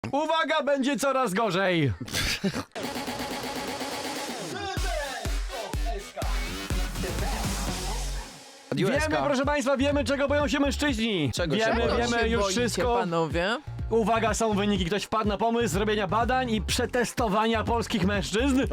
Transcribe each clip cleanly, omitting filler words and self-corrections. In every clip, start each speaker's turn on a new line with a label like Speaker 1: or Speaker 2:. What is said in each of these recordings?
Speaker 1: Uwaga, będzie coraz gorzej. Wiemy, proszę państwa, wiemy, czego boją się mężczyźni.
Speaker 2: Czego się
Speaker 1: wiemy,
Speaker 2: boją?
Speaker 1: wiemy już wszystko.
Speaker 3: Panowie?
Speaker 1: Uwaga, są wyniki. Ktoś wpadł na pomysł zrobienia badań i przetestowania polskich mężczyzn.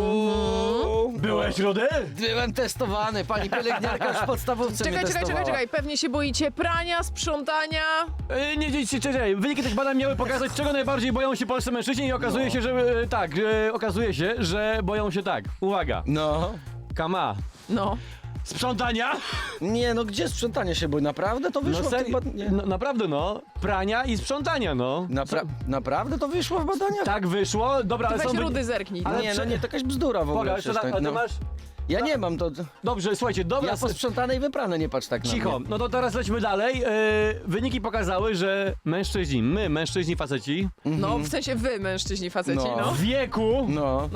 Speaker 1: Byłeś, Rudy?
Speaker 2: Byłem testowany, pani pielęgniarka już w podstawówce mnie testowała.
Speaker 3: Czekaj. Pewnie się boicie prania, sprzątania.
Speaker 1: Nie, wyniki tych badań miały pokazać, czego najbardziej boją się polscy mężczyźni i okazuje się, że okazuje się, że boją się tak. Uwaga.
Speaker 2: No.
Speaker 1: Kama.
Speaker 3: No.
Speaker 1: Sprzątania?
Speaker 2: Nie, no gdzie sprzątanie się boi? Naprawdę to wyszło
Speaker 1: No
Speaker 2: w tym
Speaker 1: serio?
Speaker 2: badaniu?
Speaker 1: No, naprawdę no. Prania i sprzątania, no.
Speaker 2: Naprawdę to wyszło w badaniach?
Speaker 1: Tak wyszło. Dobra, ale
Speaker 3: Weź
Speaker 1: są
Speaker 3: Rudy zerknij.
Speaker 1: Ale
Speaker 2: Nie, no nie, to jakaś bzdura w ogóle.
Speaker 1: Poga,
Speaker 2: przecież
Speaker 1: a
Speaker 2: tak,
Speaker 1: ty
Speaker 2: no.
Speaker 1: masz...
Speaker 2: Ja nie mam, to...
Speaker 1: Dobrze, słuchajcie, dobra.
Speaker 2: Ja posprzątane i wyprane, nie patrz tak na
Speaker 1: Cicho,
Speaker 2: mnie.
Speaker 1: no to teraz lećmy dalej. Wyniki pokazały, że mężczyźni faceci
Speaker 3: No, w sensie wy, mężczyźni, faceci,
Speaker 2: No.
Speaker 3: no.
Speaker 1: w wieku
Speaker 2: No.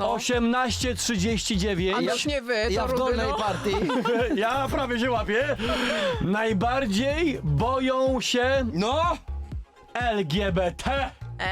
Speaker 1: 18-39
Speaker 3: A już nie wy, to
Speaker 2: Ja w
Speaker 3: Rudy,
Speaker 2: dolnej
Speaker 3: no.
Speaker 2: partii.
Speaker 1: ja prawie się łapię, najbardziej boją się
Speaker 2: No!
Speaker 1: LGBT.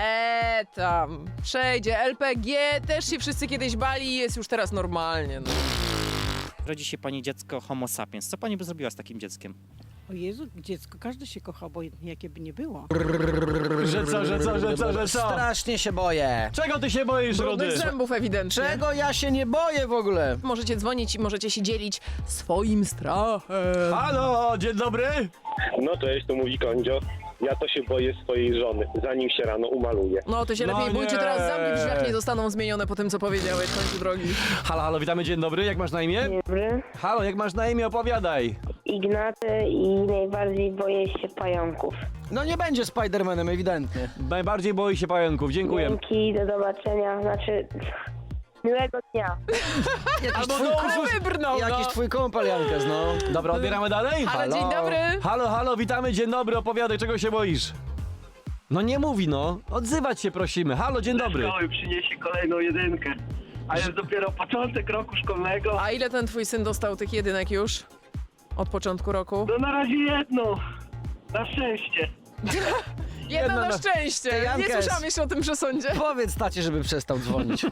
Speaker 3: Tam. Przejdzie. LPG też się wszyscy kiedyś bali i jest już teraz normalnie, no.
Speaker 4: Rodzi się pani dziecko homo sapiens. Co pani by zrobiła z takim dzieckiem?
Speaker 5: O Jezu, dziecko, każdy się kocha, obojętnie jakie by nie było.
Speaker 1: Że co?
Speaker 2: Strasznie się boję.
Speaker 1: Czego ty się boisz,
Speaker 3: Brudnych
Speaker 1: Rudy?
Speaker 3: zębów ewidentnie.
Speaker 2: Czego ja się nie boję w ogóle?
Speaker 3: Możecie dzwonić i możecie się dzielić swoim strachem.
Speaker 1: Halo, dzień dobry.
Speaker 6: No cześć, tu mówi Kondzio. Ja to się boję swojej żony, zanim się rano umaluje.
Speaker 3: No to się
Speaker 1: No
Speaker 3: lepiej bójcie,
Speaker 1: nie.
Speaker 3: teraz zamki w drzwiach nie zostaną zmienione po tym, co powiedziałeś w końcu drogi.
Speaker 1: Halo, witamy, dzień dobry, jak masz na imię?
Speaker 7: Dobry.
Speaker 1: Halo, jak masz na imię, opowiadaj.
Speaker 7: Ignacy i najbardziej boję się pająków.
Speaker 2: No nie będzie Spidermanem, ewidentnie.
Speaker 1: Najbardziej boi się pająków, dziękuję.
Speaker 7: Dzięki, do zobaczenia. Znaczy, miłego dnia.
Speaker 1: Albo
Speaker 3: Wybrnął,
Speaker 2: Jakiś twój kumpel, Jankes, no.
Speaker 1: Dobra, odbieramy dalej?
Speaker 3: Ale dzień dobry.
Speaker 1: Halo, witamy, dzień dobry, opowiadaj, czego się boisz? No nie mówi, no. Odzywać się prosimy. Halo, dzień dobry.
Speaker 8: Szkoły przyniesie kolejną jedynkę. A jest dopiero początek roku szkolnego.
Speaker 3: A ile ten twój syn dostał tych jedynek już? Od początku roku?
Speaker 8: No na razie jedną. Na szczęście.
Speaker 3: Jedno na szczęście! Nie
Speaker 2: Jankes.
Speaker 3: słyszałam jeszcze o tym przesądzie.
Speaker 2: Powiedz tacie, żeby przestał dzwonić.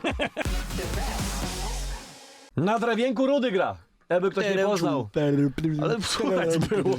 Speaker 1: Na drewienku Rudy gra. Jakby ktoś nie poznał. Ale słuchać było.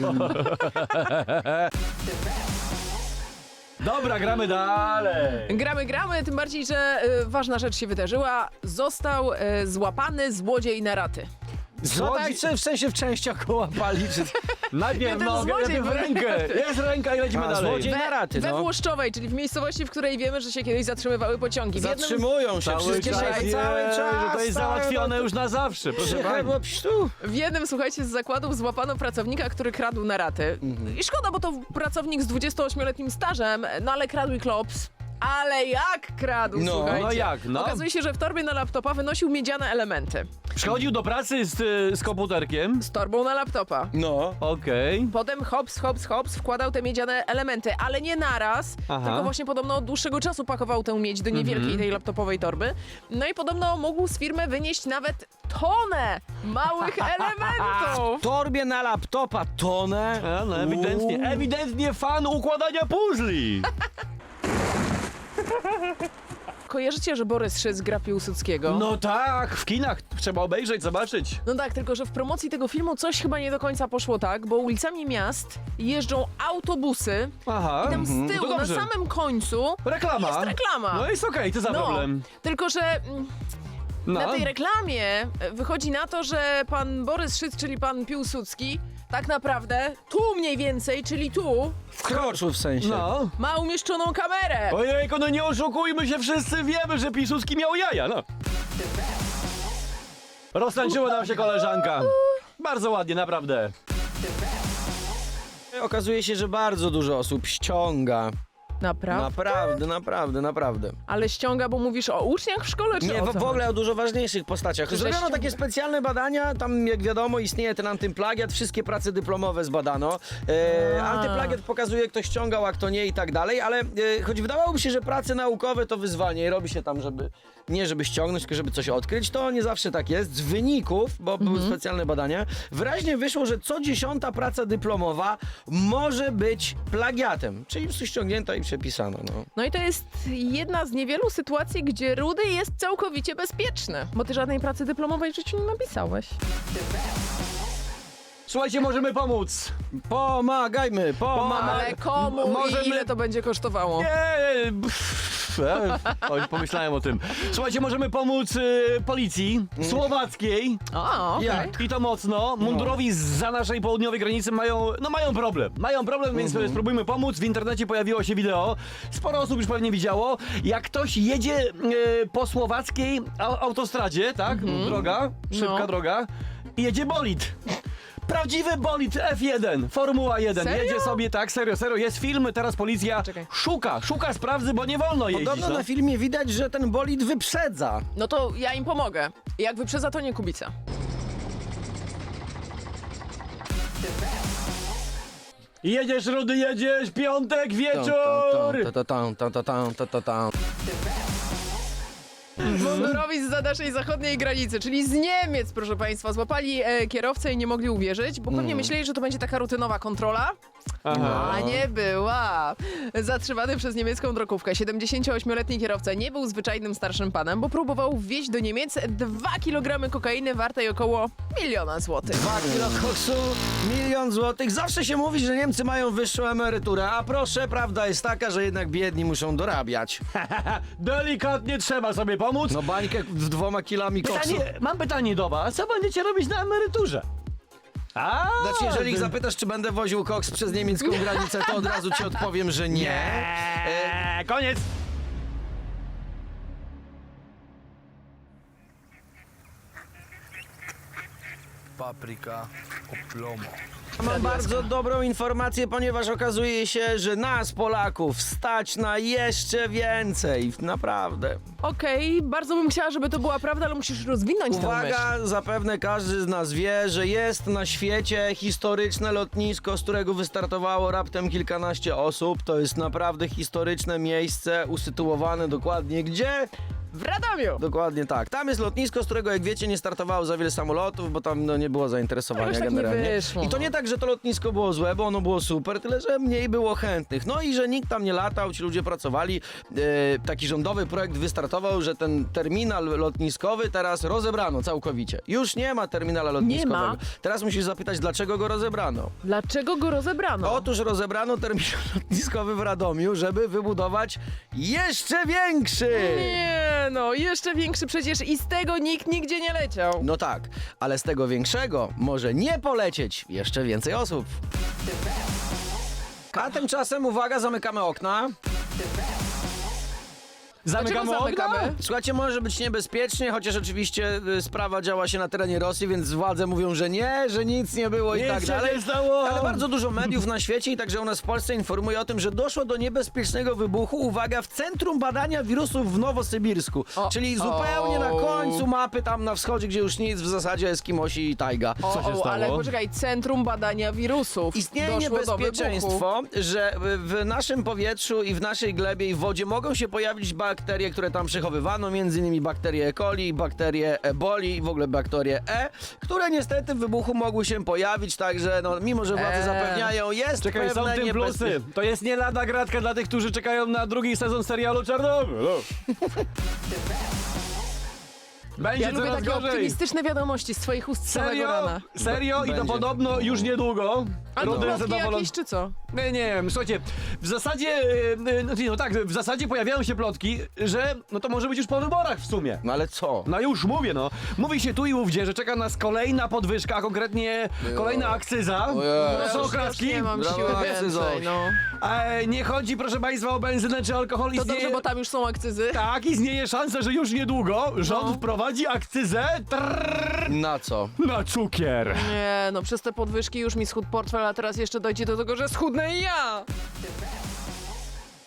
Speaker 1: Dobra, gramy dalej.
Speaker 3: Gramy, tym bardziej, że ważna rzecz się wydarzyła. Został złapany złodziej na raty.
Speaker 2: Co tak? W sensie w częściach koła pali, czy...
Speaker 1: Najpierw
Speaker 3: ten
Speaker 1: nogę,
Speaker 3: złodziej
Speaker 1: najpierw
Speaker 3: był-
Speaker 1: rękę. Jest ręka i lecimy
Speaker 2: A,
Speaker 1: dalej.
Speaker 2: złodziej na raty,
Speaker 3: We
Speaker 2: no.
Speaker 3: Włoszczowej, czyli w miejscowości, w której wiemy, że się kiedyś zatrzymywały pociągi. W jednym
Speaker 2: Zatrzymują się
Speaker 1: Cały
Speaker 2: wszystkie
Speaker 1: czas,
Speaker 2: dzisiaj,
Speaker 1: wie,
Speaker 2: cały czas.
Speaker 1: że to jest załatwione już na zawsze, proszę pani.
Speaker 3: W jednym, słuchajcie, z zakładów złapano pracownika, który kradł na raty. I szkoda, bo to pracownik z 28-letnim stażem, no ale kradł i klops. Ale jak kradł,
Speaker 2: No,
Speaker 3: słuchajcie.
Speaker 1: no jak, no.
Speaker 3: Okazuje się, że w torbie na laptopa wynosił miedziane elementy.
Speaker 1: Przychodził do pracy z komputerkiem.
Speaker 3: Z torbą na laptopa.
Speaker 2: No.
Speaker 1: Okej.
Speaker 3: Potem hops, wkładał te miedziane elementy, ale nie naraz,
Speaker 1: Aha.
Speaker 3: tylko właśnie podobno od dłuższego czasu pakował tę miedź do niewielkiej tej laptopowej torby. No i podobno mógł z firmy wynieść nawet tonę małych elementów.
Speaker 2: W torbie na laptopa tonę.
Speaker 1: A, no ewidentnie fan układania puzli.
Speaker 3: Kojarzycie, że Borys Szyc gra Piłsudskiego?
Speaker 1: No tak, w kinach trzeba obejrzeć, zobaczyć.
Speaker 3: No tak, tylko że w promocji tego filmu coś chyba nie do końca poszło tak, bo ulicami miast jeżdżą autobusy
Speaker 1: Aha.
Speaker 3: i tam z
Speaker 1: To
Speaker 3: tyłu, na
Speaker 1: dobrze.
Speaker 3: samym końcu
Speaker 1: Reklama.
Speaker 3: jest reklama.
Speaker 1: No jest okej, to za problem.
Speaker 3: Tylko że
Speaker 1: No.
Speaker 3: na tej reklamie wychodzi na to, że pan Borys Szyc, czyli pan Piłsudski, tak naprawdę tu mniej więcej, czyli tu,
Speaker 2: Wkroczył w sensie.
Speaker 1: No.
Speaker 3: ma umieszczoną kamerę.
Speaker 1: Ojejku, no nie oszukujmy się, wszyscy wiemy, że Piłsudski miał jaja, no. Roztańczyła nam się koleżanka. Bardzo ładnie, naprawdę.
Speaker 2: Okazuje się, że bardzo dużo osób ściąga.
Speaker 3: Naprawdę?
Speaker 2: Naprawdę.
Speaker 3: Ale ściąga, bo mówisz o uczniach w szkole, czy
Speaker 2: Nie,
Speaker 3: o
Speaker 2: w
Speaker 3: co?
Speaker 2: ogóle o dużo ważniejszych postaciach.
Speaker 3: Że
Speaker 2: Zrobiono
Speaker 3: ściąga.
Speaker 2: takie specjalne badania, tam jak wiadomo istnieje ten antyplagiat, wszystkie prace dyplomowe zbadano. Antyplagiat pokazuje, kto ściągał, a kto nie i tak dalej, ale choć wydawałoby się, że prace naukowe to wyzwanie i robi się tam, żeby ściągnąć, tylko żeby coś odkryć, to nie zawsze tak jest. Z wyników, bo były specjalne badania, wyraźnie wyszło, że co 10. praca dyplomowa może być plagiatem, czyli ściągnięta i kodeksie pisano, no.
Speaker 3: No i to jest jedna z niewielu sytuacji, gdzie Rudy jest całkowicie bezpieczny, bo ty żadnej pracy dyplomowej w życiu nie napisałeś.
Speaker 1: Słuchajcie, możemy pomóc.
Speaker 2: Pomagajmy,
Speaker 3: Ale komu
Speaker 1: Możemy-
Speaker 3: i ile to będzie kosztowało?
Speaker 1: Oj, pomyślałem o tym. Słuchajcie, możemy pomóc policji słowackiej.
Speaker 3: O, okej.
Speaker 2: Jak?
Speaker 1: I to mocno. Mundurowi za naszej południowej granicy mają problem. Mają problem, więc spróbujmy pomóc. W internecie pojawiło się wideo. Sporo osób już pewnie widziało. Jak ktoś jedzie po słowackiej autostradzie, tak? Droga, szybka
Speaker 3: No.
Speaker 1: droga. I jedzie bolid. Prawdziwy bolid F1, Formuła 1.
Speaker 3: Serio?
Speaker 1: Jedzie sobie, tak, serio. Jest film, teraz policja
Speaker 3: Czekaj.
Speaker 1: szuka sprawcy, bo nie wolno jeździć.
Speaker 2: Podobno
Speaker 1: no.
Speaker 2: na filmie widać, że ten bolid wyprzedza.
Speaker 3: No to ja im pomogę. Jak wyprzedza, to nie Kubica.
Speaker 1: Jedziesz, Rudy, jedziesz, piątek, wieczór!
Speaker 3: Mundurowi zza naszej zachodniej granicy, czyli z Niemiec, proszę państwa, złapali kierowcę i nie mogli uwierzyć, bo pewnie myśleli, że to będzie taka rutynowa kontrola.
Speaker 1: Aha.
Speaker 3: A nie była. Zatrzymany przez niemiecką drogówkę 78-letni kierowca nie był zwyczajnym starszym panem, bo próbował wwieźć do Niemiec 2 kg kokainy wartej około 1 000 000 złotych.
Speaker 2: 2 kilo koksu, 1 000 000 złotych. Zawsze się mówi, że Niemcy mają wyższą emeryturę, a proszę, prawda jest taka, że jednak biedni muszą dorabiać.
Speaker 1: Delikatnie trzeba sobie pomóc.
Speaker 2: No bańkę z 2 kilami koksu.
Speaker 1: Mam pytanie do was. Co będziecie robić na emeryturze?
Speaker 2: Znaczy, jeżeli ich zapytasz, czy będę woził koks przez niemiecką granicę, to od razu ci odpowiem, że nie.
Speaker 1: Koniec.
Speaker 9: Papryka o plomo.
Speaker 2: Mam bardzo dobrą informację, ponieważ okazuje się, że nas, Polaków, stać na jeszcze więcej. Naprawdę.
Speaker 3: Okej, bardzo bym chciała, żeby to była prawda, ale musisz rozwinąć tę myśl.
Speaker 2: Uwaga, zapewne każdy z nas wie, że jest na świecie historyczne lotnisko, z którego wystartowało raptem kilkanaście osób. To jest naprawdę historyczne miejsce, usytuowane dokładnie gdzie?
Speaker 3: W Radomiu!
Speaker 2: Dokładnie tak. Tam jest lotnisko, z którego, jak wiecie, nie startowało za wiele samolotów, bo tam nie było zainteresowania
Speaker 3: Jakoś tak nie
Speaker 2: generalnie.
Speaker 3: wyszło,
Speaker 2: I to
Speaker 3: no.
Speaker 2: nie tak, że to lotnisko było złe, bo ono było super, tyle że mniej było chętnych. No i że nikt tam nie latał, ci ludzie pracowali. Taki rządowy projekt wystartował, że ten terminal lotniskowy teraz rozebrano całkowicie. Już nie ma terminala lotniskowego.
Speaker 3: ma.
Speaker 2: Teraz musisz zapytać, dlaczego go rozebrano.
Speaker 3: Dlaczego go rozebrano?
Speaker 2: Otóż rozebrano terminal lotniskowy w Radomiu, żeby wybudować jeszcze większy!
Speaker 3: Nie, no, jeszcze większy przecież i z tego nikt nigdzie nie leciał.
Speaker 2: No tak, ale z tego większego może nie polecieć jeszcze więcej osób. A tymczasem, uwaga, zamykamy okna.
Speaker 1: Zamykamy okno?
Speaker 3: zamykamy?
Speaker 2: Słuchajcie, może być niebezpiecznie, chociaż oczywiście sprawa działa się na terenie Rosji, więc władze mówią, że nie, że nic nie było i
Speaker 1: Nic
Speaker 2: tak
Speaker 1: się
Speaker 2: dalej.
Speaker 1: nie stało.
Speaker 2: Ale bardzo dużo mediów na świecie i także u nas w Polsce informuje o tym, że doszło do niebezpiecznego wybuchu, uwaga, w Centrum Badania Wirusów w Nowosybirsku. Czyli zupełnie na końcu mapy, tam na wschodzie, gdzie już nic, w zasadzie Eskimosi i tajga.
Speaker 3: O,
Speaker 1: Co się stało?
Speaker 3: ale poczekaj, Centrum Badania Wirusów.
Speaker 2: Istnieje
Speaker 3: Doszło do wybuchu.
Speaker 2: niebezpieczeństwo, że w naszym powietrzu i w naszej glebie i w wodzie mogą się pojawić bakterie, które tam przechowywano, między innymi bakterie E. coli, bakterie Eboli i w ogóle bakterie E, które niestety w wybuchu mogły się pojawić, także no, mimo że władze zapewniają, jest
Speaker 1: Czekaj, są
Speaker 2: pewne
Speaker 1: w tym plusy.
Speaker 2: niebezpieczeństwo.
Speaker 1: To jest nie lada gratka dla tych, którzy czekają na drugi sezon serialu Czarnobyl. Będzie
Speaker 3: Ja lubię
Speaker 1: coraz
Speaker 3: takie
Speaker 1: gorzej.
Speaker 3: optymistyczne wiadomości z twoich ust z samego
Speaker 1: Serio?
Speaker 3: rana.
Speaker 1: Serio? I to
Speaker 2: Będzie.
Speaker 1: podobno już niedługo.
Speaker 3: Ale to
Speaker 1: Rudy jest
Speaker 3: plotki
Speaker 1: zadowolony.
Speaker 3: jakieś czy co?
Speaker 1: Nie wiem, słuchajcie, w zasadzie, no tak, w zasadzie pojawiają się plotki, że no to może być już po wyborach w sumie.
Speaker 2: No ale co?
Speaker 1: No już mówię, no. Mówi się tu i ówdzie, że czeka nas kolejna podwyżka, a konkretnie kolejna akcyza. To są
Speaker 3: Już
Speaker 1: oklaski.
Speaker 3: nie mam
Speaker 2: Brawo,
Speaker 3: siły
Speaker 2: akcyzo.
Speaker 3: więcej, no.
Speaker 1: Nie chodzi, proszę państwa, o benzynę czy alkohol.
Speaker 3: To dobrze, bo tam już są akcyzy.
Speaker 1: Tak, istnieje szansa, że już niedługo rząd
Speaker 3: No.
Speaker 1: wprowadzi akcyzę
Speaker 2: Na co?
Speaker 1: na cukier.
Speaker 3: Nie, no przez te podwyżki już mi schudł portfel, a teraz jeszcze dojdzie do tego, że schudnę i ja.